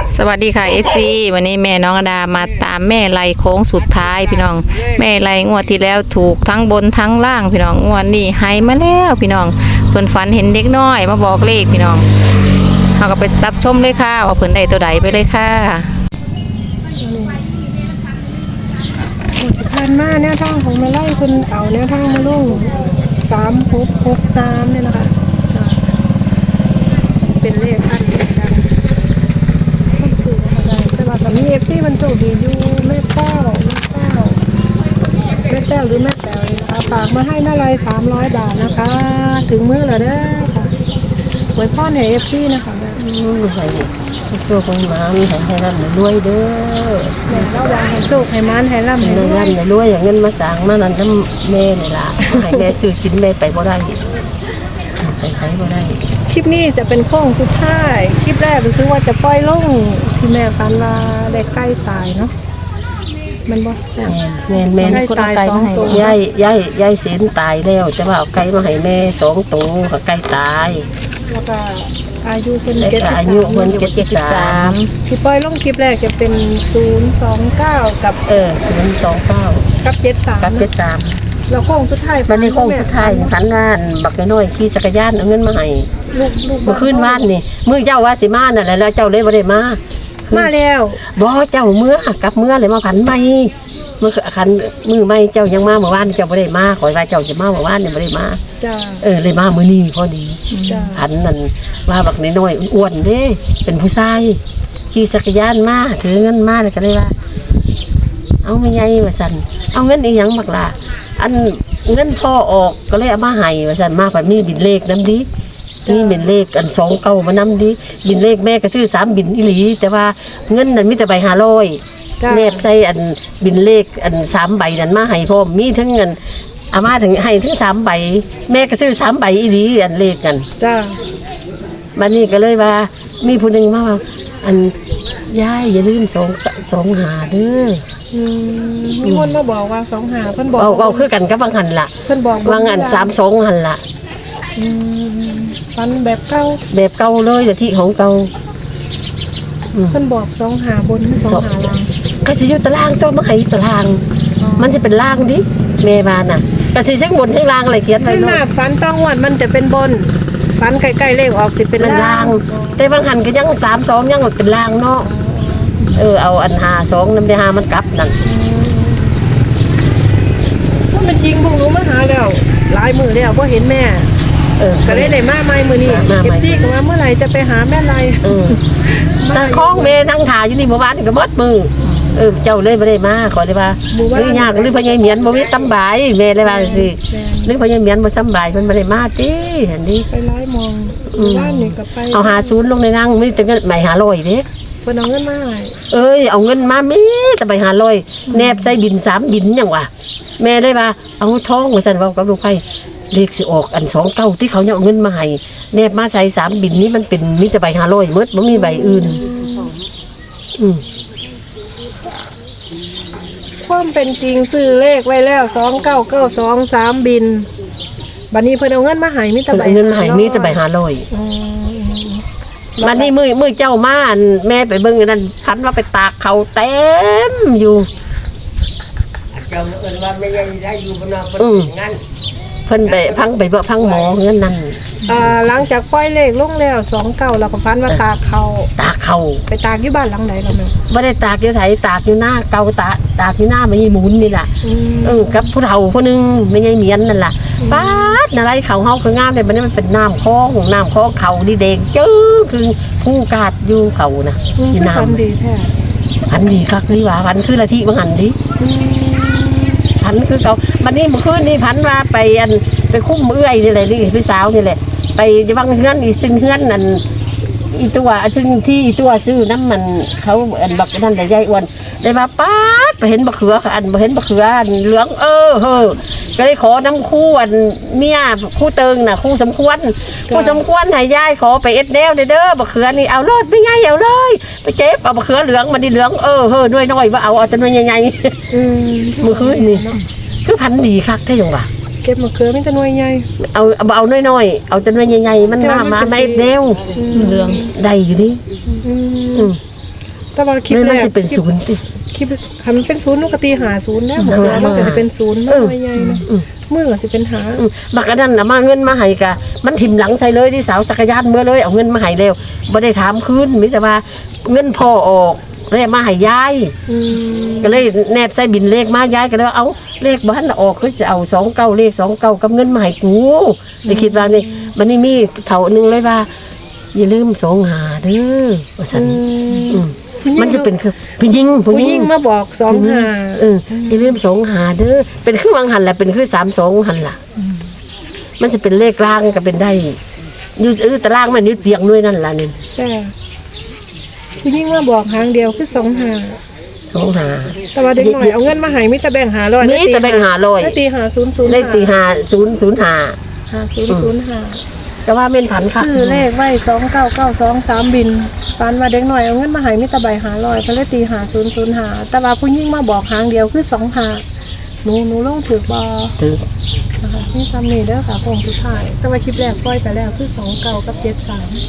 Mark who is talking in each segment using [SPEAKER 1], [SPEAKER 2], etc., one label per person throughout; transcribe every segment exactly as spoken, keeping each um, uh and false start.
[SPEAKER 1] สวัสดีค่ะ เอฟ ซี วันนี้แม่น้องอดามาตามแม่ไล่โค้งสุดท้ายพี่น้องแม่ไล่งวดที่แล้วถูกทั้งบนทั้งล่างพี่น้องงวดนี้ให้มาแล้วพี่น้องเพิ่นฝันเห็นเด็กน้อยมาบอกเลขพี่น้องเราก็ไปตับชมเลยค่ะว่าเพิ่นได้ตัวใดไปเลยค่ะ
[SPEAKER 2] ผ่านมาแนวทางของแม่ไล่คุณเอาแนวทางมาลงสามหกหกสามเนี่ยนะคะเป็นเลขอันเดียวกันต้องสื่ออะไรแต่ว่าตอนนี้เอฟซีมันโชคดีอยู่แม่เต้าแม่เต้าแม่เต้าหรือแม่แต้วนะคะฝากมาให้น่าไรสามร้อยบาทนะคะ ถึงมื้อแล้วเด้อค่ะไว้พ่อในเอฟซีนะคะแม่
[SPEAKER 3] ให้โชคให้มันให้ให้ร่ำให้รวยเด้อ
[SPEAKER 2] แม่เราวางให้โชคให้มันให้ร่ำให้รวย
[SPEAKER 3] ร่ำให้รวยอย่างเงินมาสั่งมานั่นน้ำแม่นี่ล่ะให้แม่ซื้อกินแม่ไปบ่ได้ไปใช้บ่ได้
[SPEAKER 2] คลิปนี้จะเป็นโค้งสุดท้ายคลิปแรกรู้สึกว่าจะปล่อยลงที่แม่ฟันว่าได้ใกล้ตายเนาะมันบ่
[SPEAKER 3] แม่แม่แม่
[SPEAKER 2] คนเอาไก่มาให้
[SPEAKER 3] ยายยายยายเสียนตายแล้วแต่ว่าเอาไก่มาให้แม่สองตัวกับไก่ตาย
[SPEAKER 2] แล้วก็อายุเป็น
[SPEAKER 3] เจ็ดสิบสามอายุคนเจ็ดสิบสาม
[SPEAKER 2] ที่ปล่อยลงคลิปแรกจะเป็นศูนย์สองเก้ากับ
[SPEAKER 3] เออศูนย์สองเก้า
[SPEAKER 2] กับเจ็ดสาม
[SPEAKER 3] กับเจ็ดสาม
[SPEAKER 2] แล้วโค้งสุดท้าย
[SPEAKER 3] มันในโค้งสุดท้ายฝันว่าบักน้อยขี่จักรยานเอาเงินมาให้
[SPEAKER 2] ลูกลูก
[SPEAKER 3] เมื่อคืนบ้านนี่มือเจ้าว่าสิมาน่ะแล้วเจ้าเลยบ่ได้มา
[SPEAKER 2] มาแล้ว
[SPEAKER 3] บ่เจ้าเมื่อกลับเมื่อเลยมาผันใหม่เมื่อคันมือใหม่เจ้ายังมาเมื่อวานเจ้าบ่ได้มาขอว่าเจ้าจะมาเมื่อวานนี่บ่ได้มา
[SPEAKER 2] จ้า
[SPEAKER 3] เออเลยมามื้อนี้พอดี
[SPEAKER 2] จ้า
[SPEAKER 3] ผันนั่นว่าบักน้อยๆอ้วนเด้เป็นผู้ชายขี่จักรยานมาถือเงินมาเลยก็เลยว่าเอาไม่ใหญ่ว่าซั่นเอาเงินอีหยังบักล่ะอันเงินพ่อออกก็เลยเอามาให้ว่าซั่นมาผันมีบินเลขนำดินี่เป็นเลขอันสองเก้ามานำดิบินเลขแม่ก็ซื้อสามบินอีหลีแต่ว่าเงินนั้นมีแต่ใบห้าร้อยแนบใส่อันบินเลขอันสามใบนั้นมาให้พร้อมมีทั้งเงินอามาถึงให้ทั้งสามใบแม่ก็ซื้อสามใบอีหลีอันเลขกัน
[SPEAKER 2] จ้า
[SPEAKER 3] บัดนี้ก็เลยว่ามีผู้หนึ่งมาว่าอันยายอย่าลืมสองสองหาเด้อ
[SPEAKER 2] มีคนมาบอกว่าสองหาเพิ่นบอก
[SPEAKER 3] เอาเอาคือกันกับบางหันล่ะ
[SPEAKER 2] เพิ่นบอก
[SPEAKER 3] บางอันสามสองหันล่ะ
[SPEAKER 2] ฟันแบบเก่า
[SPEAKER 3] แบบเก่าเลยแต่ที่ของเก่า
[SPEAKER 2] เพิ่นบอกสองหาบนสองหาล่าง
[SPEAKER 3] ก็สิอยู่ตารางตัวมาให้ตารางมันจะเป็นล่างดิแม่บ้านน่ะก็สิเช็คบนเช็คล่างอะไรเขียนไว้
[SPEAKER 2] เนาะฟันต้องวันมันจะเป็นบนฟันใกล้ๆเลขออกสิเป็นล่าง
[SPEAKER 3] แต่บางหันก็ยังสามสองยังเป็นล่างเนาะเออเอาอันหาสองน้ำได้หามันกลับนั่น
[SPEAKER 2] ถ้ามันจริงพวกหนูมาหาแล้วหลายมือแล้วเพราะเห็นแม่เออก็ได้ได้มาใหม่มือนี้เก็บซี่กันว่าเมื่อไหร่จะไปหาแม่ไร
[SPEAKER 3] เออแต่คล้องเมนั่งถ่ายอยู่นี่เมื่อวานก็มดมือเออเจ้าเลยไม่ได้มาขอได้ว่าหรือยากหรือพญายเหมียนบ่มีสบายแม่เลยว่าสิหรือพญายเหมียนบ่สบายมันไม่ได้มาจีเห็นดิ
[SPEAKER 2] ไปไล่มองบ้านนี่ก็ไป
[SPEAKER 3] เอาหาศูนย์ลงในนั่งไม่ถึงเงินใบหาลอยเด้
[SPEAKER 2] เพิ่นเอาเงินมา
[SPEAKER 3] เอ้ยเอาเงินมามีแต่ใบหาลอยแนบใส่บินสามบินอย่างวะแม่ได้ว่าเอาทองมาสั่นว่ากับลูกไผ่เลขสิออกอันสองเก้าที่เขาเนี่ยเอาเงินมาให้แนบมาใส่สามบินนี้มันเป็นมีแต่ใบหาลอยมดไม่มีใบอื่นอืม
[SPEAKER 2] ความเป็นจริงซื้อเลขไว้แล้วสองเก้าเก้าสองสามบินบัดนี้เพิ่นเอาเงินมาให้มีแต่ใบ
[SPEAKER 3] เงินมาให้มีแต่ใบหาลอยบัดนี้มือมือเจ้ามาแม่ไปเบิ่งนั่นพันว่าไปตากเขาเต็มอยู่
[SPEAKER 4] เจ้าเอิ้นว่าไม่ได้ได้อยู่บนนอกบนงั้น
[SPEAKER 3] เพิ่นไปพังไปบ่พังหมอเงินนั่น
[SPEAKER 2] อ่าหลังจากปล่อยเลขลงแล้วสองเก้าแล้วก็ฟันว่าตากเขา
[SPEAKER 3] ตากเขา
[SPEAKER 2] ไปตากอยู่บ้านหลังไหนล่ะแม่
[SPEAKER 3] บ่ได้ตากอยู่ไสตากอยู่หน้าเก่าตากตากอยู่หน้าไม่หมุนนี่ล่ะเออกับผู้เฒ่าผู้นึงไม่ใช่เหมียนนั่นล่ะป๊าดอะไรเขาเฮาคืองามเลยบัดนี้มันเป็นน้ำคลองน้ำคลองเขานี่แดงจื้อคือผู้กาดอยู่เขาน่ะ
[SPEAKER 2] ที่น้ำดีแท้
[SPEAKER 3] พันดีคักนี่ว่าพันคือละที่บ่หันดิพันคือเขาบัดนี้เมื่อคืนนี่พันว่าไปอันไปคุ้มเอื้อยนี่แหละนี่พี่สาวนี่แหละไปวังเฮือนอีซึ่งเฮือนนั่นอีตัวซึ่งที่อีตัวซื้อน้ำมันเขาอันบักนั่นแต่ยายอ้วนได้มาป๊าดไปเห็นบักเขืออันไปเห็นบักเขืออันเหลืองเออเฮ้อก็เลยขอน้ำคู่อันเมียคู่เติงน่ะคู่สมควรคู่สมควรให้ยายขอไปเอ็ดแนวเด้อบักเขือนี่เอารอดไม่ง่ายเอาเลยไปเจ็บเอาบักเขือเหลืองมันดีเหลืองเออเฮ้อด้วยน้อยว่าเอาเอาแต่น้อยใหญ่ๆมือคืนนี่คือพันดีคักแท้ยังวะ
[SPEAKER 2] เก็บมะเขือไม่แต่หน่วยใหญ่
[SPEAKER 3] เอาเอาน้อยๆเอาแต่หน่วยใหญ่ๆมันมามาไม่เร็ว
[SPEAKER 1] เหลือง
[SPEAKER 3] ได้อยู่ดิ
[SPEAKER 2] แต่ว่าคลิป
[SPEAKER 3] แม่
[SPEAKER 2] แร
[SPEAKER 3] มัน
[SPEAKER 2] ก
[SPEAKER 3] สิเป็นศูนย์สิ
[SPEAKER 2] คลิปทำเป็นศูนย์นุกตีหาศูนย์แล้ว
[SPEAKER 3] เออ
[SPEAKER 2] มันก็จะเป็นศูนย์น้อยใหญ่นะ
[SPEAKER 3] อืม
[SPEAKER 2] มือก็สิเป็นหา
[SPEAKER 3] อืมบักอันนั้นน่ะมาเงินมาให้กะมันถิ่มหลังใส่เลยที่สาวสักรยานเมื่อเลยเอาเงินมาให้แล้วบ่ได้ถามคืนมีแต่ว่าเงินพ่อออกแล้วมาให้ยาย
[SPEAKER 2] อืม
[SPEAKER 3] ก็เลยแนบใส่บินเลขมายายก็เลยว่าเอาเลขบ้านออกคือจะเอาสองเก้าเลขสองเก้ากับเงินมาให้กูเลยคิดว่านี่มันนี่มีเท่านึงเลยว่า อย่าลืมสองหาเด้อว่าซั่นอืมมันจะเป็นคือผู้หญิงผู้
[SPEAKER 2] ผู้
[SPEAKER 3] ห
[SPEAKER 2] ห
[SPEAKER 3] ญิ
[SPEAKER 2] ญิ
[SPEAKER 3] ง
[SPEAKER 2] งมาบอกสองหา
[SPEAKER 3] เอออย่าลืมสองหาเด้อเป็นคือวางหันแหละเป็นคือสามสองหันล่ะมันจะเป็นเลขล่างก็เป็นได้อยู่เออตารางมันอยู่เตียงด้วยนั่นล่ะนี่
[SPEAKER 2] จ้าผู้หญิงมาบอกหางเดียวคือสองหา
[SPEAKER 3] สองหา
[SPEAKER 2] แต่ว่าเด็กหน่อยเอาเงินมาให้มิตรแบ่งหาร้อย
[SPEAKER 3] มีแต่แบ่งหาร้อย
[SPEAKER 2] ได้ตีหาศูนย์ศูนย์
[SPEAKER 3] ได้ตีหาศูนย์ศูนย์หา
[SPEAKER 2] หาศูนย์ศูนย์หา
[SPEAKER 3] แต่ว่าเม่นผันค่ะ
[SPEAKER 2] ซื้อเลขไว้สองเก้าเก้าสองสามบินฟันว่าเด็กหน่อยเอาเงินมาให้มิตรใบหาร้อยก็เลยตีหาศูนย์ศูนย์หาแต่ว่าผู้หญิงมาบอกหางเดียวคือสองหาหนูหนูลงถือบอ
[SPEAKER 3] ถือ
[SPEAKER 2] นะคะนี่ซัมนี่เด้อค่ะพงสุดท้ายแต่ว่าคลิปแรกปล่อยไปแล้วคือสองเก้ากับเจ็ดสาม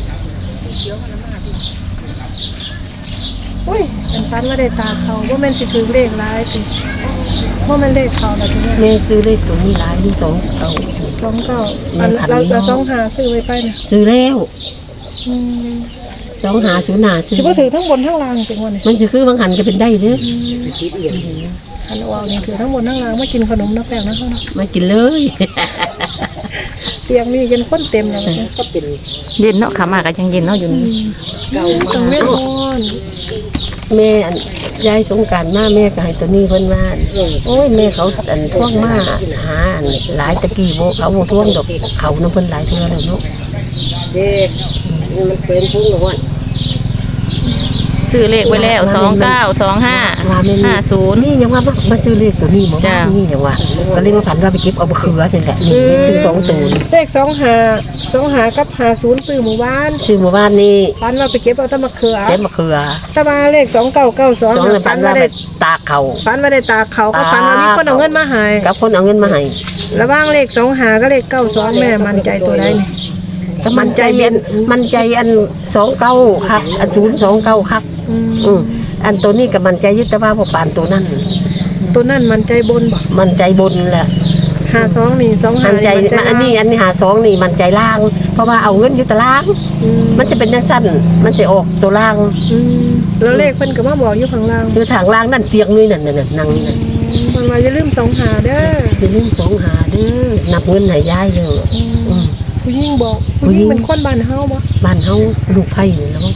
[SPEAKER 2] อุ้ยเป็นฟันว่าได้ตาเขาว่าแม่นสิถือเลขร้ายติว่าแม่นเลขเขาแล้วทีเนี้ย
[SPEAKER 3] แม่ซื้อเลขตัวนี้หลายที่สองเก้า
[SPEAKER 2] สองเก้าอันเราเราสองหาซื้อไว้ไปเนี่ย
[SPEAKER 3] ซื้อแล้ว
[SPEAKER 2] อืม
[SPEAKER 3] สองหาศูนย์หาซื้อ
[SPEAKER 2] สิบ่ถือทั้งบนทั้งล่างจริงวันนี้
[SPEAKER 3] มันจะคือบางหันก็เป็นได้เด้อ
[SPEAKER 2] อันเอาเนี่ยถือทั้งบนทั้งล่างมากินขนมนักแป้งนะเขาเนาะ
[SPEAKER 3] มากินเลย
[SPEAKER 2] เตียงนี่ยันข้นเต็มแล้วนะ
[SPEAKER 4] ก็เป็น
[SPEAKER 1] เย็นเนาะขามาก็ยังเย็นเนาะอยู่นี่
[SPEAKER 4] เก่า
[SPEAKER 2] ต้อง
[SPEAKER 4] มา
[SPEAKER 2] เล่น
[SPEAKER 4] ก
[SPEAKER 2] นอน
[SPEAKER 3] แม่อันยายสงกรารมาแม่ก็ให้ตัวนี้เพิ่นว่าโอ้ยแม่เขาอันท่วงมาหาอันหลายตะกี้โบเขาโบท่วงดอกเขาน้ำเพิ่นหลายเทื่อแล้วเนาะ
[SPEAKER 4] เด็กมันเป็นพุ่งหรอวะ
[SPEAKER 1] ซื้อเลขไว้แล้วสองเก้าสองห้า
[SPEAKER 3] ว่าแม่
[SPEAKER 1] ห้าศูนย์
[SPEAKER 3] นี่ยังว่ามามาซื้อเลขตัวนี้หมอ
[SPEAKER 1] จ้ะ
[SPEAKER 3] นี่ยังว่าก็เลยมาผันว่าไปเก็บเอาบะเขือนี่แหละนี่ซื้อสองตัว
[SPEAKER 2] เลขสองหาสองหากับหาศูนย์ซื้อหมู่บ้าน
[SPEAKER 3] ซื้อหมู่บ้านนี่
[SPEAKER 2] ฟันว่าไปเก็บเอาแตะมะเขือ
[SPEAKER 3] เก็บมะเขือ
[SPEAKER 2] แต่ว่าเลขสองเก้าเก้าสอง
[SPEAKER 3] สองเลย
[SPEAKER 2] ฟั
[SPEAKER 3] ผั
[SPEAKER 2] น
[SPEAKER 3] น
[SPEAKER 2] ว่า
[SPEAKER 3] ว่าไป
[SPEAKER 2] ได้
[SPEAKER 3] ตากเขา
[SPEAKER 2] ฟันว่าได้ตาเขาก็ฟันว่ามีคนเอาเงินมาให้
[SPEAKER 3] กับคนเอาเงินมาให้
[SPEAKER 2] ระหว่างเลขสองหาก็เลขเก้าสองแม่มั่นใจตัวใดนี่
[SPEAKER 3] ก็มันใจเย็นมันใจอันสองเก้าครับ อันศูนย์สองเก้าครับ
[SPEAKER 2] อืม
[SPEAKER 3] อืมอันตัวนี้กับมันใจยึดแต่ว่าพอปานตัวนั้น
[SPEAKER 2] ตัวนั่นมั่นใจบนบ่
[SPEAKER 3] มันใจบนแหละ
[SPEAKER 2] หาสองนี่สองหา
[SPEAKER 3] มันใจ
[SPEAKER 2] นี่
[SPEAKER 3] อันนี้อันนี้หาสองนี่มันใจล่าง เพราะว่าเอาเงินอยู่ตาราง
[SPEAKER 2] อืม
[SPEAKER 3] มันจะเป็นยังสั้นมันจะออกตัวล่าง
[SPEAKER 2] อืมแล้วเลขเพิ่นก็มาบอกอยู่ข้างล่าง
[SPEAKER 3] คือทางล่างนั่นเตียงนี่นั่นนั่นนั่นนั่งนั่น
[SPEAKER 2] มันว่าอย่าลืมสองหาเด้อ
[SPEAKER 3] อย่าลืมสองหาเด้อนับเงินให้ยายเด้ออืม
[SPEAKER 2] ผู้หญิงบอก
[SPEAKER 3] ผู้
[SPEAKER 2] ผู้
[SPEAKER 3] ห
[SPEAKER 2] ห
[SPEAKER 3] ญิ
[SPEAKER 2] ญิ
[SPEAKER 3] ง
[SPEAKER 2] งเป็นคนบ้านเฮาบ่
[SPEAKER 3] บ้านเฮาลูกไผ่นี่แล้ว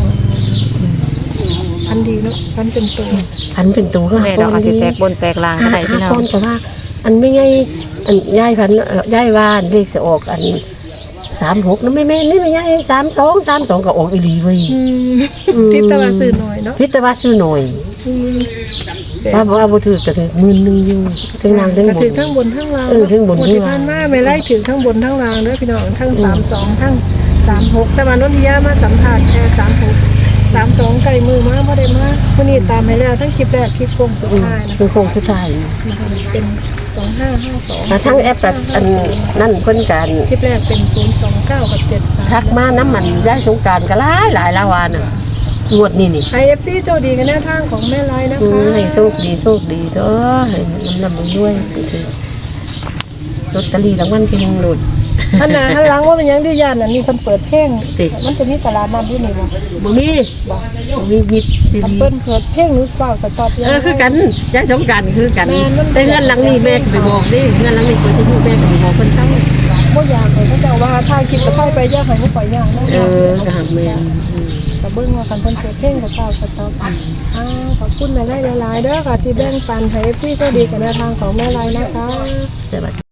[SPEAKER 2] พันดีเนาะพันเป็นตัว
[SPEAKER 3] พันเป็นตัวก็
[SPEAKER 1] แม่ดอกอาจจะแตกบนแตกลางก็ได้พี่น้อง
[SPEAKER 3] ก้อนก็ว่า อันไม่ไงอันยายพันยายว่าเลขจะออกอันสามหกนะไม่แม่นี่ไม่ไงสามสองสามสองก็ออกอีหลีเว้ย
[SPEAKER 2] อืม
[SPEAKER 3] อืม
[SPEAKER 2] ทิศตะวันซื้อหน่อยเนาะ
[SPEAKER 3] พิจารณาซื้อหน่อย
[SPEAKER 2] อืม
[SPEAKER 3] ว่าว่าบ่ถือก็ถือหมื่นหนึงอยู่ถึงนางถึง
[SPEAKER 2] ก็
[SPEAKER 3] บ
[SPEAKER 2] ถือน ทั้งบนทั้งล่าง
[SPEAKER 3] เออทั้งบนทั้งล่าง
[SPEAKER 2] ที่ผ่านมาไม่ไล่ถือทั้งบนทั้งล่างเด้อพี่น้องทั้งสามสองทั้งสามหกแต่ว่านนทิยามาสัมภาษณ์แค่สามหกสามสองไก่มือมาบ่ได้มาวันนี้ตามให้แล้วทั้งคลิปแรกคลิปโค้งสุด
[SPEAKER 3] อืม
[SPEAKER 2] ท้ายนะ
[SPEAKER 3] คือโคงสุดท้าย
[SPEAKER 2] นะคะเป็นสองห้าห้าสอง
[SPEAKER 3] มาทั้งแอปกับอันนั่นเพิ่นกัน
[SPEAKER 2] คลิปแรกเป็นศูนย์สองเก้ากับเจ็ดสาม
[SPEAKER 3] ทักมาน้ำมันย้ายสงกรารก็หลายหลายละวาน่ะงวดนี้นี่
[SPEAKER 2] ไอเอฟซีโชคดีกันแนวทางของแม่ไลน์นะ
[SPEAKER 3] อื
[SPEAKER 2] คะ
[SPEAKER 3] มให้โชคดีโชคดีเด้อให้น้ำนำด้วยคือลอตเตอรี่รางวัลที่หนึ่งหลุด
[SPEAKER 2] ท่านหนาท่านหล้างว่าเป็นหยังดีย่านอันนี้คนเปิดเพลง
[SPEAKER 3] สิ
[SPEAKER 2] มันจะมีตลาดนัดที่นี่บ่
[SPEAKER 3] บ่มีบ่มีมิดซี
[SPEAKER 2] อัน
[SPEAKER 3] ดี
[SPEAKER 2] เปิ้นเปิดเพลงนู้สาวสต็อป
[SPEAKER 3] เออคือกันย้ายสงกรารคือกัน แต่เงินหลังนี้แม่ก็ไปบอกดิเงินหลังนี้เปิดที่แม่ก็ไปบอกคนเศร้า
[SPEAKER 2] บ่อยากให้เขาเจ้าว่าถ้าคิดจะค่อยไปย่างให้บ่ปล่อยย่างนะ
[SPEAKER 3] เออก็หาแม่นอืม
[SPEAKER 2] ก็เบิ่งว่าคันเพิ่นเปิดเพลงกับสาวสต็อปอ้าวขอบคุณแม่ไลน์หลายๆเด้อค่ะที่แบ่งปันให้ เอฟ ซีโชคดีกันแนวทางของแม่ไลน์นะคะ
[SPEAKER 3] สวัสดี